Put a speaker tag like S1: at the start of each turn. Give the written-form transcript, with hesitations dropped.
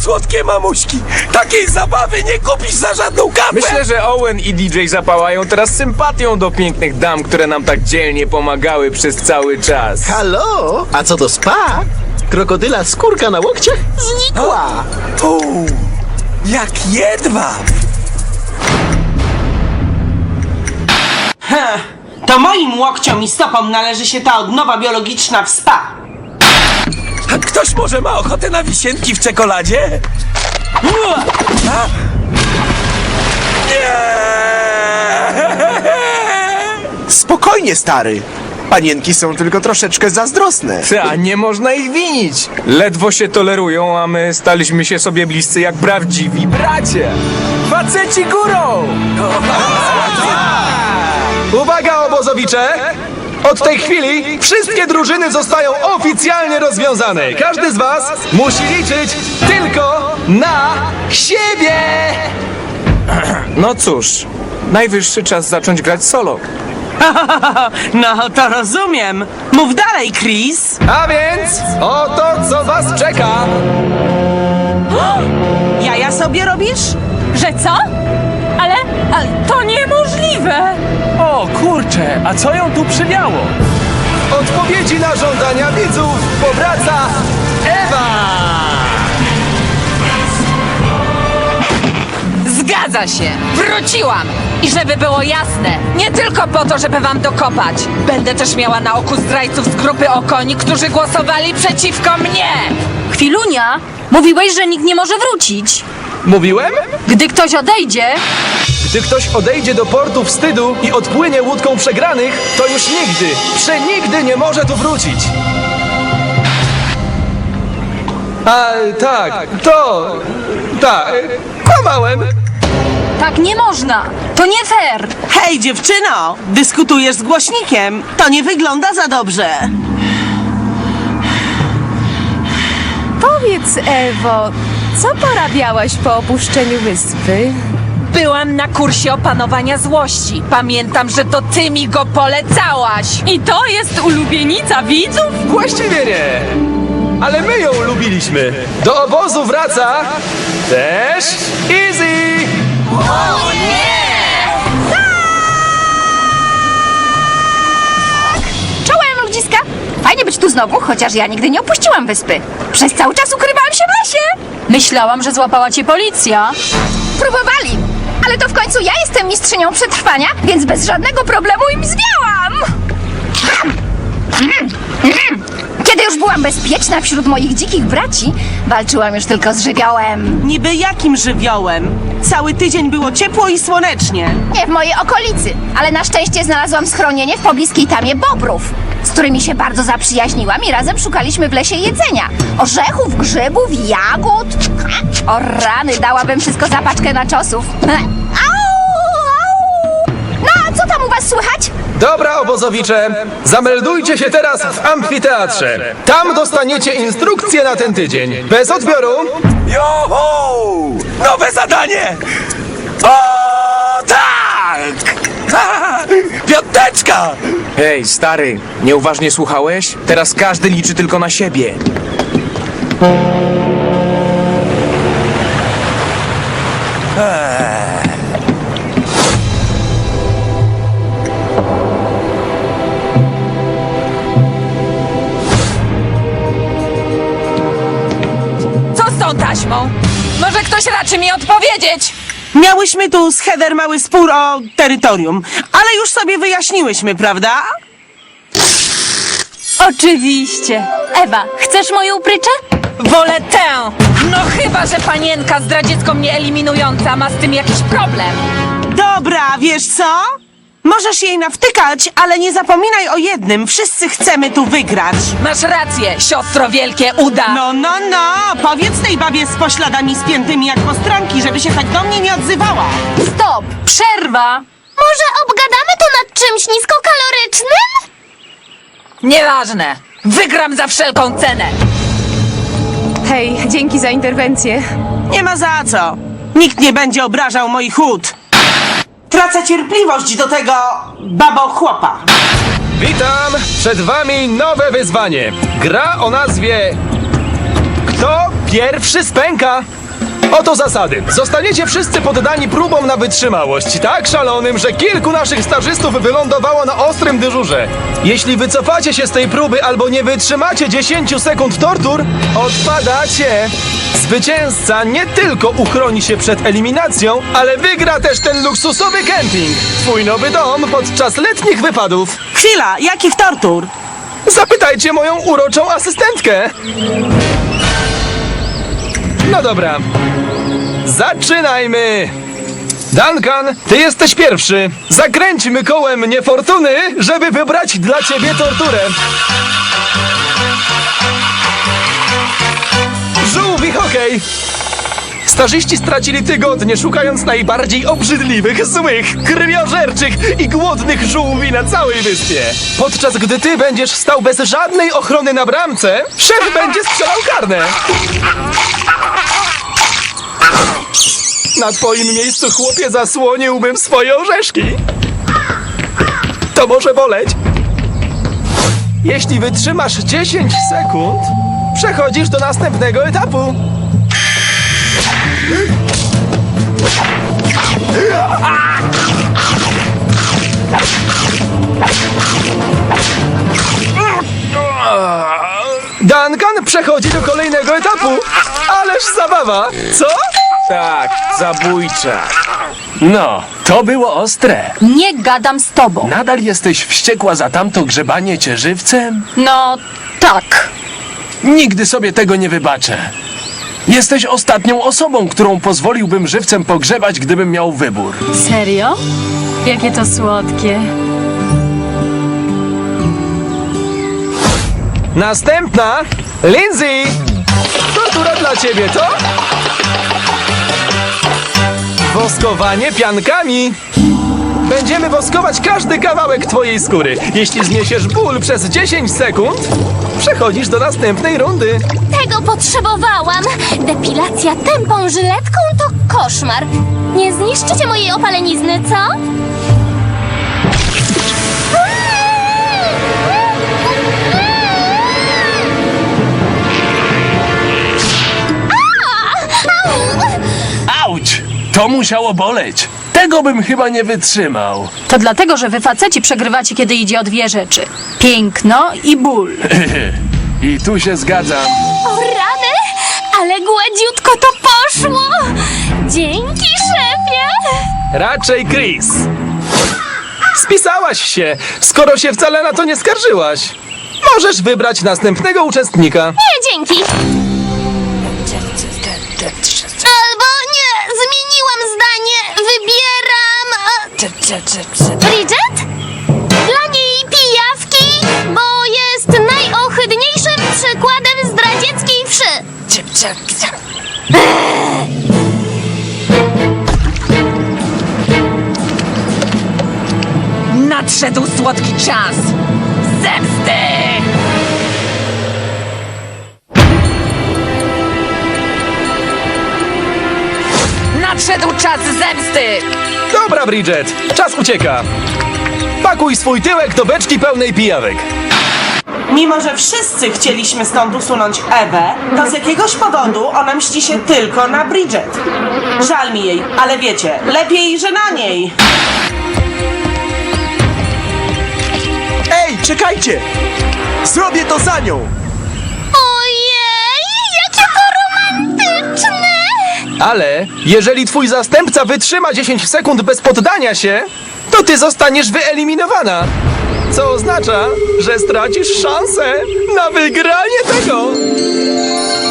S1: słodkie mamuśki! Takiej zabawy nie kupisz za żadną kapę!
S2: Myślę, że Owen i DJ zapałają teraz sympatią do pięknych dam, które nam tak dzielnie pomagały przez cały czas.
S3: Halo? A co do spa? Krokodyla skórka na łokciach znikła.
S1: Jak jedwab!
S4: To moim łokciom i stopom należy się ta odnowa biologiczna w spa.
S1: A ktoś może ma ochotę na wisienki w czekoladzie? A? Nie!
S5: Spokojnie, stary. Panienki są tylko troszeczkę zazdrosne.
S2: Ta, nie można ich winić. Ledwo się tolerują, a my staliśmy się sobie bliscy jak prawdziwi bracia. Faceci górą!
S6: Uwaga, obozowicze! Od tej chwili wszystkie drużyny zostają oficjalnie rozwiązane. Każdy z was musi liczyć tylko na siebie!
S2: No cóż, najwyższy czas zacząć grać solo.
S4: No to rozumiem. Mów dalej, Chris.
S6: A więc oto co was czeka!
S4: Jaja sobie robisz?
S7: Że co? Ale to niemożliwe!
S8: O kurczę, a co ją tu przywiało?
S6: Odpowiedzi na żądania widzów powraca Ewa!
S7: Zgadza się! Wróciłam! I żeby było jasne, nie tylko po to, żeby wam dokopać. Będę też miała na oku zdrajców z grupy Okoni, którzy głosowali przeciwko mnie!
S9: Chwilunia, mówiłeś, że nikt nie może wrócić.
S6: Mówiłem?
S9: Gdy ktoś odejdzie,
S6: Gdy ktoś odejdzie do portu wstydu i odpłynie łódką przegranych, to już nigdy, przenigdy nie może tu wrócić. A tak, kłamałem.
S9: tak nie można. To nie fair.
S4: Hej, dziewczyno! Dyskutujesz z głośnikiem. To nie wygląda za dobrze.
S10: Powiedz, Ewo, co porabiałaś po opuszczeniu wyspy?
S7: Byłam na kursie opanowania złości. Pamiętam, że to ty mi go polecałaś.
S10: I to jest ulubienica widzów?
S6: Właściwie nie. Ale my ją lubiliśmy. Do obozu wraca też Easy.
S9: Czołem, ludziska. Fajnie być tu znowu, chociaż ja nigdy nie opuściłam wyspy. Przez cały czas ukrywałam się w lesie. Myślałam, że złapała cię policja. Próbowali, ale to w końcu ja jestem mistrzynią przetrwania, więc bez żadnego problemu im zwiałam. Kiedy już byłam bezpieczna wśród moich dzikich braci, walczyłam już tylko z żywiołem.
S4: Niby jakim żywiołem? Cały tydzień było ciepło i słonecznie.
S9: Nie w mojej okolicy, ale na szczęście znalazłam schronienie w pobliskiej tamie bobrów, z którymi się bardzo zaprzyjaźniłam i razem szukaliśmy w lesie jedzenia. Orzechów, grzybów, jagód. O rany, dałabym wszystko za paczkę naczosów. Au! No, a co tam u was słychać?
S6: Dobra, obozowicze, zameldujcie się teraz w amfiteatrze. Tam dostaniecie instrukcje na ten tydzień. Bez odbioru.
S1: Joho! Nowe zadanie! O tak! Piąteczka!
S2: Hej, stary, nieuważnie słuchałeś? Teraz każdy liczy tylko na siebie.
S7: Co z tą taśmą? Może ktoś raczy mi odpowiedzieć?
S4: Miałyśmy tu z Heather mały spór o terytorium, ale już sobie wyjaśniłyśmy, prawda?
S9: Oczywiście. Ewa, chcesz moją pryczę?
S7: Wolę tę! No chyba, że panienka zdradziecko mnie eliminująca ma z tym jakiś problem.
S4: Dobra, wiesz co? Możesz jej nawtykać, ale nie zapominaj o jednym. Wszyscy chcemy tu wygrać.
S7: Masz rację, siostro wielkie uda.
S4: No, powiedz tej babie z pośladami spiętymi jak postranki, żeby się tak do mnie nie odzywała.
S9: Stop! Przerwa!
S11: Może obgadamy to nad czymś niskokalorycznym?
S7: Nieważne. Wygram za wszelką cenę.
S10: Hej, dzięki za interwencję.
S4: Nie ma za co. Nikt nie będzie obrażał moich ud. Tracę cierpliwość do tego babo-chłopa.
S6: Witam! Przed wami nowe wyzwanie. Gra o nazwie Kto pierwszy spęka? Oto zasady. Zostaniecie wszyscy poddani próbom na wytrzymałość, tak szalonym, że kilku naszych stażystów wylądowało na ostrym dyżurze. Jeśli wycofacie się z tej próby albo nie wytrzymacie 10 sekund tortur, odpadacie. Zwycięzca nie tylko uchroni się przed eliminacją, ale wygra też ten luksusowy kemping. Twój nowy dom podczas letnich wypadów.
S4: Chwila, jakich tortur?
S6: Zapytajcie moją uroczą asystentkę. No dobra. Zaczynajmy! Duncan, ty jesteś pierwszy. Zakręćmy kołem niefortuny, żeby wybrać dla ciebie torturę. Żółwi hokej! Stażyści stracili tygodnie szukając najbardziej obrzydliwych, złych, krwiożerczych i głodnych żółwi na całej wyspie. Podczas gdy ty będziesz stał bez żadnej ochrony na bramce, szef będzie strzelał karne. Na twoim miejscu, chłopie, zasłoniłbym swoje orzeszki. To może boleć. Jeśli wytrzymasz 10 sekund, przechodzisz do następnego etapu. Duncan przechodzi do kolejnego etapu. Ależ zabawa, co?
S2: Tak, zabójcza. No, to było ostre.
S9: Nie gadam z tobą.
S8: Nadal jesteś wściekła za tamto grzebanie cię żywcem?
S9: No, tak.
S8: Nigdy sobie tego nie wybaczę. Jesteś ostatnią osobą, którą pozwoliłbym żywcem pogrzebać, gdybym miał wybór.
S10: Serio? Jakie to słodkie.
S6: Następna, Lindsay! Tortura dla ciebie, to? Woskowanie piankami. Będziemy woskować każdy kawałek twojej skóry. Jeśli zniesiesz ból przez 10 sekund, przechodzisz do następnej rundy.
S11: Tego potrzebowałam. Depilacja tępą żyletką to koszmar. Nie zniszczycie mojej opalenizny, co?
S8: Auć! To musiało boleć. Tego bym chyba nie wytrzymał.
S9: To dlatego, że wy faceci przegrywacie, kiedy idzie o dwie rzeczy. Piękno i ból.
S8: I tu się zgadzam.
S11: O rany, ale gładziutko to poszło. Dzięki, szefie.
S6: Raczej Chris. Spisałaś się, skoro się wcale na to nie skarżyłaś. Możesz wybrać następnego uczestnika.
S11: Nie, dzięki. Albo nie, zmieniłam zdanie. Wybieram... Bridget? Dla niej pijawki, bo jest najohydniejszym przykładem zdradzieckiej wszy.
S7: Nadszedł słodki czas zemsty! Nadszedł czas zemsty!
S6: Dobra, Bridget, czas ucieka. Pakuj swój tyłek do beczki pełnej pijawek.
S4: Mimo, że wszyscy chcieliśmy stąd usunąć Ewę, to z jakiegoś powodu ona mści się tylko na Bridget. Żal mi jej, ale wiecie, lepiej, że na niej.
S5: Ej, czekajcie! Zrobię to za nią!
S11: Ojej, jakie to romantyczne!
S6: Ale jeżeli twój zastępca wytrzyma 10 sekund bez poddania się, to ty zostaniesz wyeliminowana. Co oznacza, że stracisz szansę na wygranie tego.